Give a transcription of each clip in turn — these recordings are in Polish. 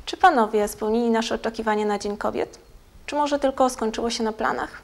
Czy panowie spełnili nasze oczekiwania na Dzień Kobiet? Czy może tylko skończyło się na planach?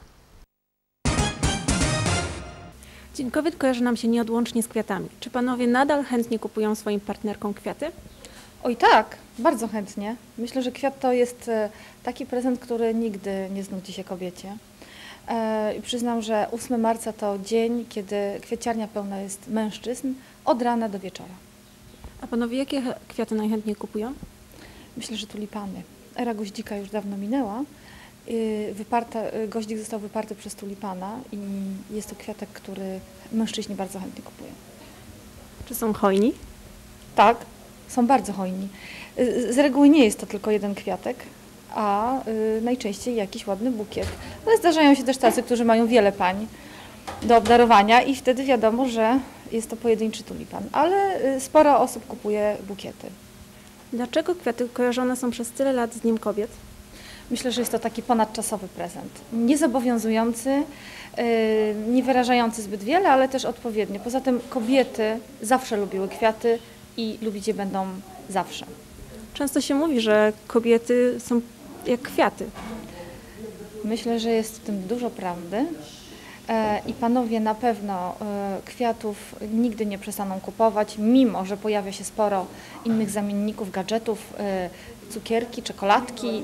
Dzień Kobiet kojarzy nam się nieodłącznie z kwiatami. Czy panowie nadal chętnie kupują swoim partnerkom kwiaty? Oj tak, bardzo chętnie. Myślę, że kwiat to jest taki prezent, który nigdy nie znudzi się kobiecie. I przyznam, że 8 marca to dzień, kiedy kwieciarnia pełna jest mężczyzn od rana do wieczora. A panowie jakie kwiaty najchętniej kupują? Myślę, że tulipany. Era goździka już dawno minęła. Goździk został wyparty przez tulipana i jest to kwiatek, który mężczyźni bardzo chętnie kupują. Czy są hojni? Tak, są bardzo hojni. Z reguły nie jest to tylko jeden kwiatek, a najczęściej jakiś ładny bukiet. Ale zdarzają się też tacy, którzy mają wiele pań do obdarowania i wtedy wiadomo, że jest to pojedynczy tulipan. Ale sporo osób kupuje bukiety. Dlaczego kwiaty kojarzone są przez tyle lat z Dniem Kobiet? Myślę, że jest to taki ponadczasowy prezent. Niezobowiązujący, nie wyrażający zbyt wiele, ale też odpowiednio. Poza tym kobiety zawsze lubiły kwiaty i lubić je będą zawsze. Często się mówi, że kobiety są jak kwiaty. Myślę, że jest w tym dużo prawdy i panowie na pewno kwiatów nigdy nie przestaną kupować, mimo że pojawia się sporo innych zamienników, gadżetów, cukierki, czekoladki,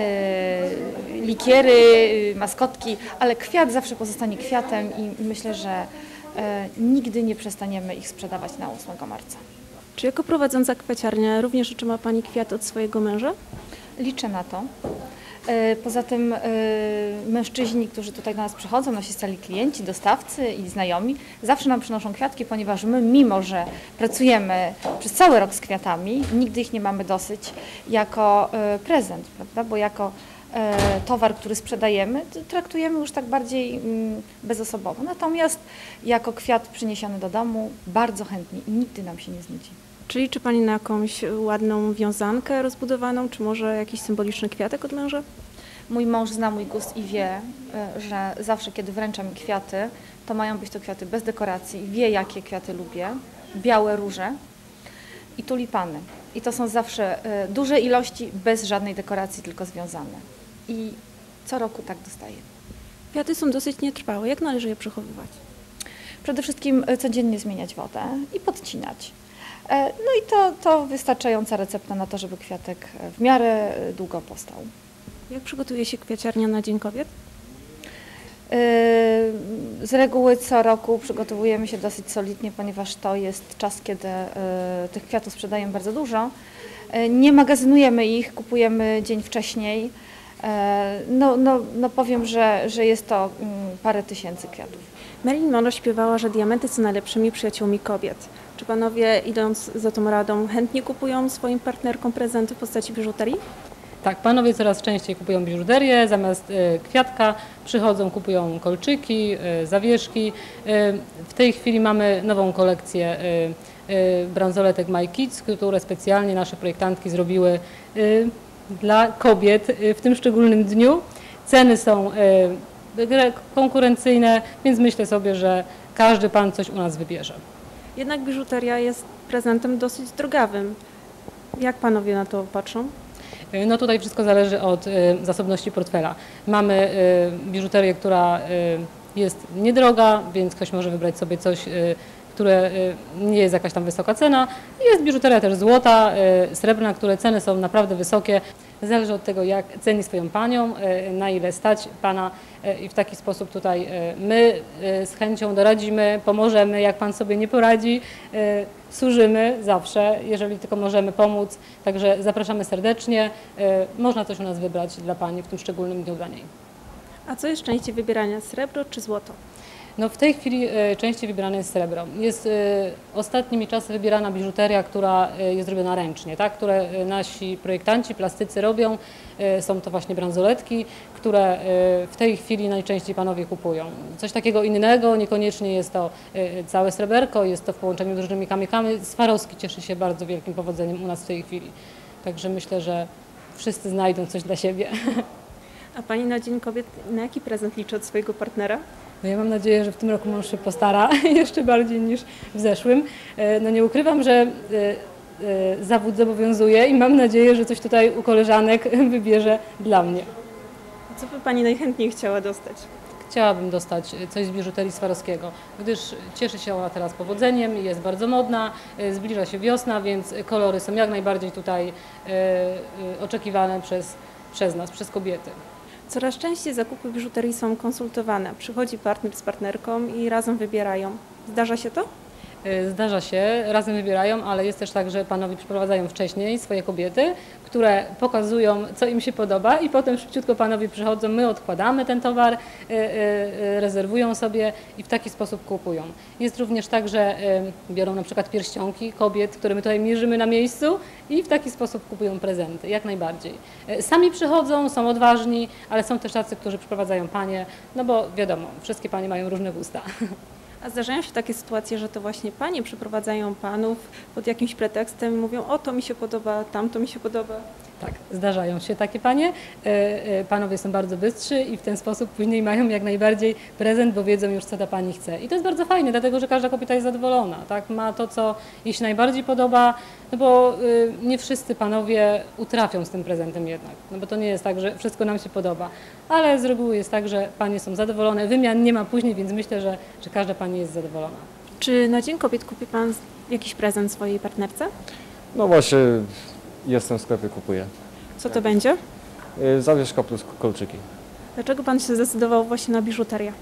likiery, maskotki, ale kwiat zawsze pozostanie kwiatem i myślę, że nigdy nie przestaniemy ich sprzedawać na 8 marca. Czy jako prowadząca kwiaciarnię również otrzyma pani kwiat od swojego męża? Liczę na to. Poza tym mężczyźni, którzy tutaj do nas przychodzą, nasi stali klienci, dostawcy i znajomi, zawsze nam przynoszą kwiatki, ponieważ my, mimo że pracujemy przez cały rok z kwiatami, nigdy ich nie mamy dosyć jako prezent, prawda? Bo jako towar, który sprzedajemy, traktujemy już tak bardziej bezosobowo. Natomiast jako kwiat przyniesiony do domu bardzo chętnie i nigdy nam się nie znudzi. Czy liczy pani na jakąś ładną wiązankę rozbudowaną, czy może jakiś symboliczny kwiatek od męża? Mój mąż zna mój gust i wie, że zawsze, kiedy wręcza mi kwiaty, to mają być to kwiaty bez dekoracji. Wie, jakie kwiaty lubię. Białe róże i tulipany. I to są zawsze duże ilości, bez żadnej dekoracji, tylko związane. I co roku tak dostaję. Kwiaty są dosyć nietrwałe. Jak należy je przechowywać? Przede wszystkim codziennie zmieniać wodę i podcinać. No i to wystarczająca recepta na to, żeby kwiatek w miarę długo postał. Jak przygotuje się kwiaciarnia na Dzień Kobiet? Z reguły co roku przygotowujemy się dosyć solidnie, ponieważ to jest czas, kiedy tych kwiatów sprzedajemy bardzo dużo. Nie magazynujemy ich, kupujemy dzień wcześniej. No powiem, że jest to parę tysięcy kwiatów. Marilyn Monroe śpiewała, że diamenty są najlepszymi przyjaciółmi kobiet. Czy panowie, idąc za tą radą, chętnie kupują swoim partnerkom prezenty w postaci biżuterii? Tak, panowie coraz częściej kupują biżuterię, zamiast kwiatka przychodzą, kupują kolczyki, zawieszki. W tej chwili mamy nową kolekcję bransoletek My Kids, które specjalnie nasze projektantki zrobiły dla kobiet w tym szczególnym dniu. Ceny są konkurencyjne, więc myślę sobie, że każdy pan coś u nas wybierze. Jednak biżuteria jest prezentem dosyć drogawym. Jak panowie na to patrzą? No tutaj wszystko zależy od zasobności portfela. Mamy biżuterię, która jest niedroga, więc ktoś może wybrać sobie coś, które nie jest jakaś tam wysoka cena. Jest biżuteria też złota, srebrna, które ceny są naprawdę wysokie. Zależy od tego, jak ceni swoją panią, na ile stać pana i w taki sposób tutaj my z chęcią doradzimy, pomożemy, jak pan sobie nie poradzi, służymy zawsze, jeżeli tylko możemy pomóc. Także zapraszamy serdecznie. Można coś u nas wybrać dla pani w tym szczególnym dniu dla niej. A co jest częściej wybierania, srebro czy złoto? No w tej chwili częściej wybierane jest srebro. Jest ostatnimi czasy wybierana biżuteria, która jest robiona ręcznie, tak? Które nasi projektanci, plastycy robią. Są to właśnie bransoletki, które w tej chwili najczęściej panowie kupują. Coś takiego innego, niekoniecznie jest to całe sreberko, jest to w połączeniu z różnymi kamykami. Swarowski cieszy się bardzo wielkim powodzeniem u nas w tej chwili. Także myślę, że wszyscy znajdą coś dla siebie. A pani na Dzień Kobiet na jaki prezent liczy od swojego partnera? No ja mam nadzieję, że w tym roku mąż się postara jeszcze bardziej niż w zeszłym. No nie ukrywam, że zawód zobowiązuje i mam nadzieję, że coś tutaj u koleżanek wybierze dla mnie. Co by Pani najchętniej chciała dostać? Chciałabym dostać coś z biżuterii Swarowskiego, gdyż cieszy się ona teraz powodzeniem, jest bardzo modna, zbliża się wiosna, więc kolory są jak najbardziej tutaj oczekiwane przez nas, przez kobiety. Coraz częściej zakupy biżuterii są konsultowane. Przychodzi partner z partnerką i razem wybierają. Zdarza się to? Zdarza się, razem wybierają, ale jest też tak, że panowie przyprowadzają wcześniej swoje kobiety, które pokazują, co im się podoba i potem szybciutko panowie przychodzą, my odkładamy ten towar, rezerwują sobie i w taki sposób kupują. Jest również tak, że biorą na przykład pierścionki kobiet, które my tutaj mierzymy na miejscu i w taki sposób kupują prezenty, jak najbardziej. Sami przychodzą, są odważni, ale są też tacy, którzy przyprowadzają panie, no bo wiadomo, wszystkie panie mają różne gusta. A zdarzają się takie sytuacje, że to właśnie panie przyprowadzają panów pod jakimś pretekstem i mówią: o, to mi się podoba, tamto mi się podoba. Tak, zdarzają się takie panie. Panowie są bardzo bystrzy i w ten sposób później mają jak najbardziej prezent, bo wiedzą już, co ta pani chce. I to jest bardzo fajne, dlatego że każda kobieta jest zadowolona, tak? Ma to, co jej się najbardziej podoba, no bo nie wszyscy panowie utrafią z tym prezentem jednak, no bo to nie jest tak, że wszystko nam się podoba, ale z reguły jest tak, że panie są zadowolone, wymian nie ma później, więc myślę, że każda pani jest zadowolona. Czy na Dzień Kobiet kupi Pan jakiś prezent swojej partnerce? No właśnie, jestem w sklepie, kupuję. Co to będzie? Zawieszka plus kolczyki. Dlaczego Pan się zdecydował właśnie na biżuterię?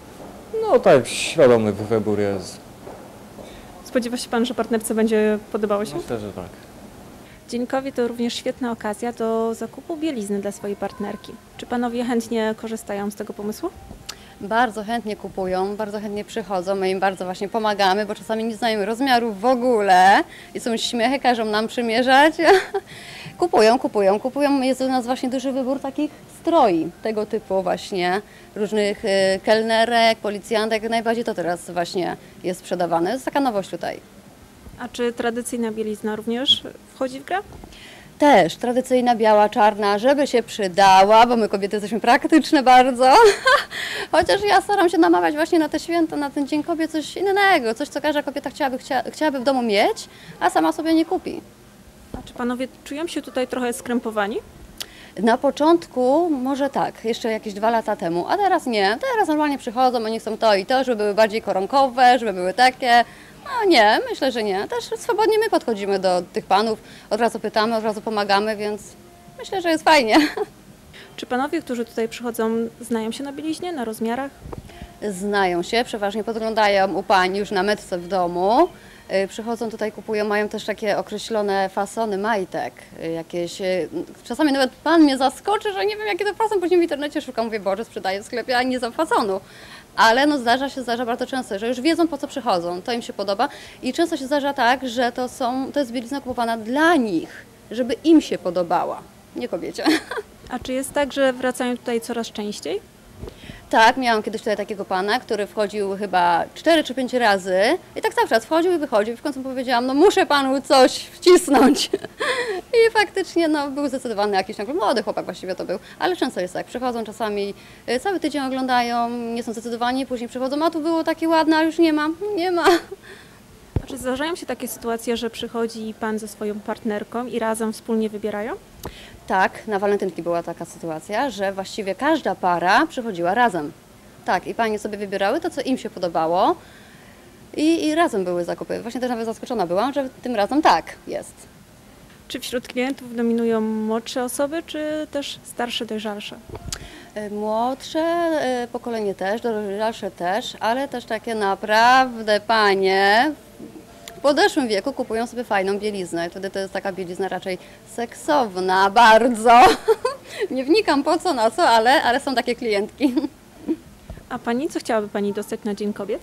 No tak, świadomy wybór jest. Spodziewa się Pan, że partnerce będzie podobało się? Myślę, że tak. Dzień Kobiet to również świetna okazja do zakupu bielizny dla swojej partnerki. Czy Panowie chętnie korzystają z tego pomysłu? Bardzo chętnie kupują, bardzo chętnie przychodzą, my im bardzo właśnie pomagamy, bo czasami nie znają rozmiarów w ogóle i są śmiechy, każą nam przymierzać. Kupują. Jest u nas właśnie duży wybór takich stroi, tego typu właśnie, różnych kelnerek, policjantek, najbardziej to teraz właśnie jest sprzedawane. To jest taka nowość tutaj. A czy tradycyjna bielizna również wchodzi w grę? Też tradycyjna biała, czarna, żeby się przydała, bo my kobiety jesteśmy praktyczne bardzo. Chociaż ja staram się namawiać właśnie na te święta, na ten Dzień Kobiet coś innego, coś co każda kobieta chciałaby w domu mieć, a sama sobie nie kupi. A czy Panowie czują się tutaj trochę skrępowani? Na początku może tak, jeszcze jakieś 2 lata temu, a teraz nie. Teraz normalnie przychodzą, oni chcą to i to, żeby były bardziej koronkowe, żeby były takie. No nie, myślę, że nie. Też swobodnie my podchodzimy do tych panów, od razu pytamy, od razu pomagamy, więc myślę, że jest fajnie. Czy Panowie, którzy tutaj przychodzą, znają się na bieliźnie, na rozmiarach? Znają się, przeważnie podglądają u pań już na metce w domu. Przychodzą tutaj, kupują, mają też takie określone fasony majtek, jakieś, czasami nawet pan mnie zaskoczy, że nie wiem jaki to fason, później w internecie szukam, mówię, Boże, sprzedaję w sklepie, a nie znam fasonu. Ale no zdarza bardzo często, że już wiedzą po co przychodzą, to im się podoba i często się zdarza tak, że to jest bielizna kupowana dla nich, żeby im się podobała, nie kobiecie. A czy jest tak, że wracają tutaj coraz częściej? Tak, miałam kiedyś tutaj takiego pana, który wchodził chyba 4 czy 5 razy i tak cały czas wchodził i wychodził i w końcu powiedziałam, no muszę panu coś wcisnąć. I faktycznie no, był zdecydowany jakiś młody chłopak właściwie to był, ale często jest tak, przychodzą czasami, cały tydzień oglądają, nie są zdecydowani, później przychodzą, a tu było takie ładne, a już nie ma, nie ma. A czy zdarzają się takie sytuacje, że przychodzi Pan ze swoją partnerką i razem wspólnie wybierają? Tak, na walentynki była taka sytuacja, że właściwie każda para przychodziła razem. Tak, i panie sobie wybierały to, co im się podobało i razem były zakupy. Właśnie też nawet zaskoczona byłam, że tym razem tak jest. Czy wśród klientów dominują młodsze osoby, czy też starsze, dojrzalsze? Młodsze pokolenie też, dojrzalsze też, ale też takie naprawdę panie w podeszłym wieku kupują sobie fajną bieliznę. Wtedy to jest taka bielizna raczej seksowna, bardzo. Nie wnikam po co, na co, ale są takie klientki. A Pani, co chciałaby Pani dostać na Dzień Kobiet?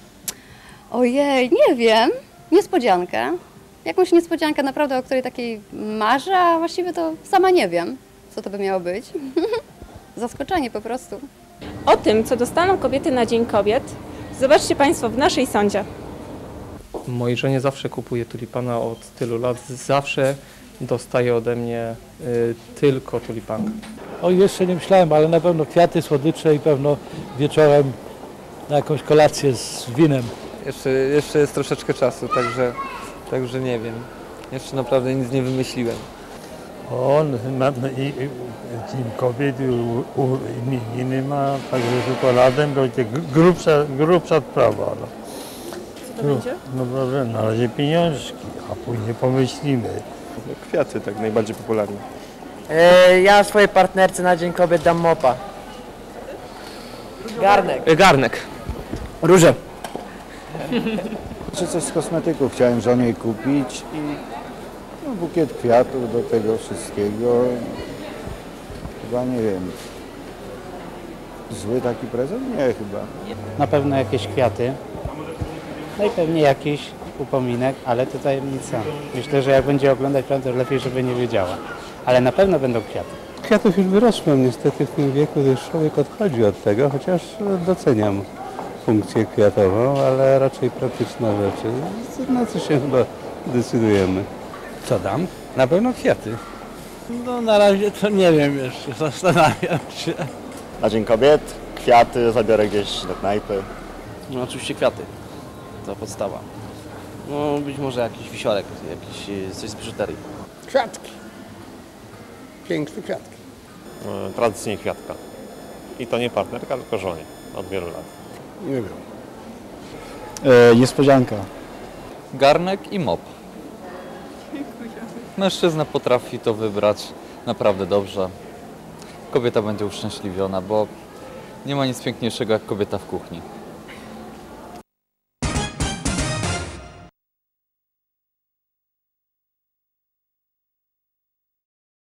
Ojej, nie wiem. Niespodziankę. Jakąś niespodziankę naprawdę, o której takiej marzę, a właściwie to sama nie wiem, co to by miało być. Zaskoczenie po prostu. O tym, co dostaną kobiety na Dzień Kobiet, zobaczcie Państwo w naszej sądzie. Mojej żonie zawsze kupuję tulipana od tylu lat. Zawsze dostaje ode mnie tylko tulipana. O, jeszcze nie myślałem, ale na pewno kwiaty, słodycze i pewno wieczorem na jakąś kolację z winem. Jeszcze jest troszeczkę czasu, także nie wiem. Jeszcze naprawdę nic nie wymyśliłem. Dzień Kobiet imieniny ma, także czekoladę będzie grubsza sprawa. No. Co to będzie? No dobrze, na razie pieniążki, a później pomyślimy. Kwiaty tak najbardziej popularne. Ja swojej partnerce na Dzień Kobiet dam mopa. Garnek. Róże. Czy coś z kosmetyków chciałem żonie kupić i no, bukiet kwiatów do tego wszystkiego. Chyba nie wiem. Zły taki prezent? Nie, chyba. Na pewno jakieś kwiaty, no i pewnie jakiś upominek, ale to tajemnica. Myślę, że jak będzie oglądać plan, to lepiej, żeby nie wiedziała. Ale na pewno będą kwiaty. Kwiatów już wyrosłem, niestety w tym wieku już człowiek odchodzi od tego, chociaż doceniam funkcję kwiatową, ale raczej praktyczne rzeczy. Na co się chyba decydujemy. Co dam? Na pewno kwiaty. No na razie to nie wiem jeszcze, zastanawiam się. Na Dzień Kobiet kwiaty zabiorę gdzieś do knajpy. No oczywiście kwiaty. To podstawa. No być może jakiś wisiorek, coś z biżuterii. Kwiatki. Piękne kwiatki. Tradycyjnie kwiatka. I to nie partnerka, tylko żonie od wielu lat. Nie wiem. Niespodzianka. Garnek i mop. Mężczyzna potrafi to wybrać naprawdę dobrze. Kobieta będzie uszczęśliwiona, bo nie ma nic piękniejszego jak kobieta w kuchni.